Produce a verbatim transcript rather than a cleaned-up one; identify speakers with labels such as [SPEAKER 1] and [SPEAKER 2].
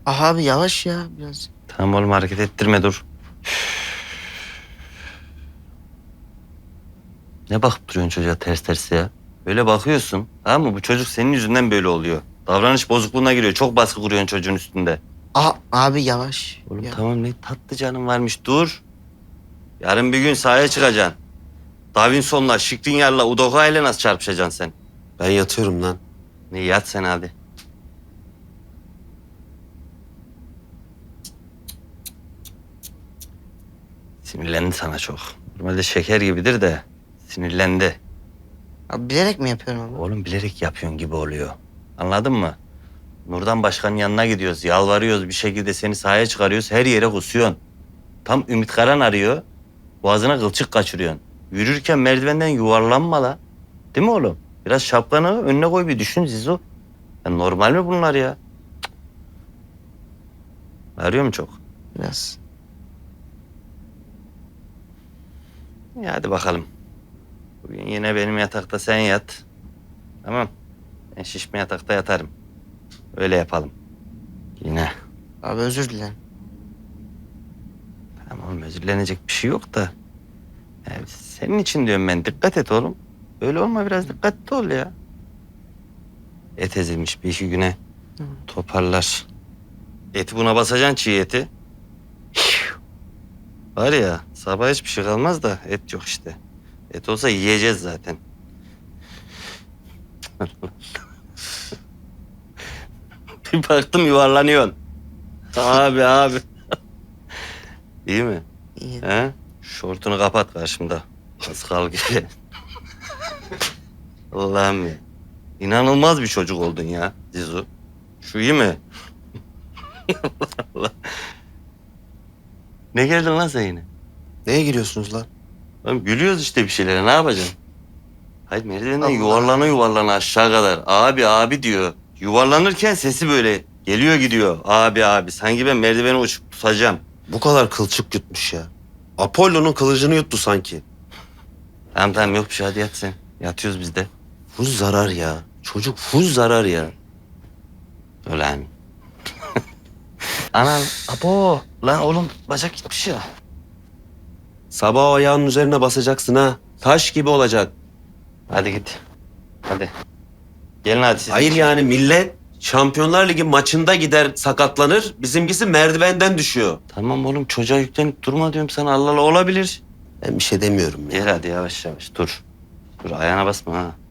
[SPEAKER 1] Aha abi yavaş ya biraz.
[SPEAKER 2] Tamam oğlum hareket ettirme dur. Ne bakıp duruyorsun çocuğa ters ters ya? Böyle bakıyorsun tamam mı? Bu çocuk senin yüzünden böyle oluyor. Davranış bozukluğuna giriyor. Çok baskı kuruyorsun çocuğun üstünde.
[SPEAKER 1] Aha abi yavaş.
[SPEAKER 2] Oğlum
[SPEAKER 1] Ya.
[SPEAKER 2] tamam ne tatlı canın varmış dur. Yarın bir gün sahaya çıkacaksın. Davinson'la, Skriniar'la, Udoka ile nasıl çarpışacaksın sen?
[SPEAKER 3] Ben yatıyorum lan.
[SPEAKER 2] Ne yat sen hadi. Sinirlendi sana çok. Normalde şeker gibidir de sinirlendi.
[SPEAKER 1] Abi bilerek mi yapıyorum abi?
[SPEAKER 2] Oğlum bilerek yapıyorsun gibi oluyor. Anladın mı? Nurdan Başkan'ın yanına gidiyoruz, yalvarıyoruz bir şekilde seni sahaya çıkarıyoruz. Her yere kusuyorsun. Tam Ümit Karan arıyor. Boğazına kılçık kaçırıyorsun. Yürürken merdivenden yuvarlanma la. Değil mi oğlum? Biraz şapkanı önüne koy bir düşün Zizo. Ya normal mi bunlar ya? Cık. Arıyor mu çok?
[SPEAKER 1] Biraz.
[SPEAKER 2] Ya hadi bakalım. Bugün yine benim yatakta sen yat. Tamam. Ben şişme yatakta yatarım. Öyle yapalım. Yine.
[SPEAKER 1] Abi özür dilerim.
[SPEAKER 2] Tamam oğlum özürlenecek bir şey yok da. Yani senin için diyorum ben dikkat et oğlum. Öyle olma biraz dikkatli ol ya. Et ezilmiş bir iki güne
[SPEAKER 1] Hı.
[SPEAKER 2] toparlar. Eti buna basacaksın çiğ eti. Var ya sabah hiçbir şey kalmaz da et yok işte. Et olsa yiyeceğiz zaten. Bir baktım yuvarlanıyorsun. Abi abi. İyi mi?
[SPEAKER 1] İyi.
[SPEAKER 2] He? Şortunu kapat karşımda. Paskal gibi. Allah'ım ya. İnanılmaz bir çocuk oldun ya Zizu. Şu iyi mi? Allah Allah. Ne geldin lan sen yine?
[SPEAKER 3] Neye giriyorsunuz lan?
[SPEAKER 2] Oğlum gülüyoruz işte bir şeylere ne yapacaksın? Hayır merdivenden
[SPEAKER 1] Allah.
[SPEAKER 2] yuvarlana yuvarlana aşağı kadar. Abi abi diyor. Yuvarlanırken sesi böyle geliyor gidiyor. Abi abi sanki ben merdiveni uçup tutacağım.
[SPEAKER 3] Bu kadar kılçık yutmuş ya. Apollo'nun kılıcını yuttu sanki.
[SPEAKER 2] Tamam tamam yok bir şey hadi yat sen. Yatıyoruz biz de.
[SPEAKER 3] Bu zarar ya. Çocuk full zarar ya.
[SPEAKER 2] Ulan. Anan abo. Lan oğlum bacak gitmiş ya.
[SPEAKER 3] Sabah o ayağının üzerine basacaksın ha. Taş gibi olacak.
[SPEAKER 2] Hadi git. Hadi. Gelin hadi siz.
[SPEAKER 3] Hayır yani millet Şampiyonlar Ligi maçında gider sakatlanır. Bizimkisi merdivenden düşüyor.
[SPEAKER 2] Tamam oğlum çocuğa yüklenip durma diyorum sana Allah Allah olabilir.
[SPEAKER 3] Ben bir şey demiyorum ya.
[SPEAKER 2] Gel hadi yavaş yavaş dur. Dur ayağına basma ha.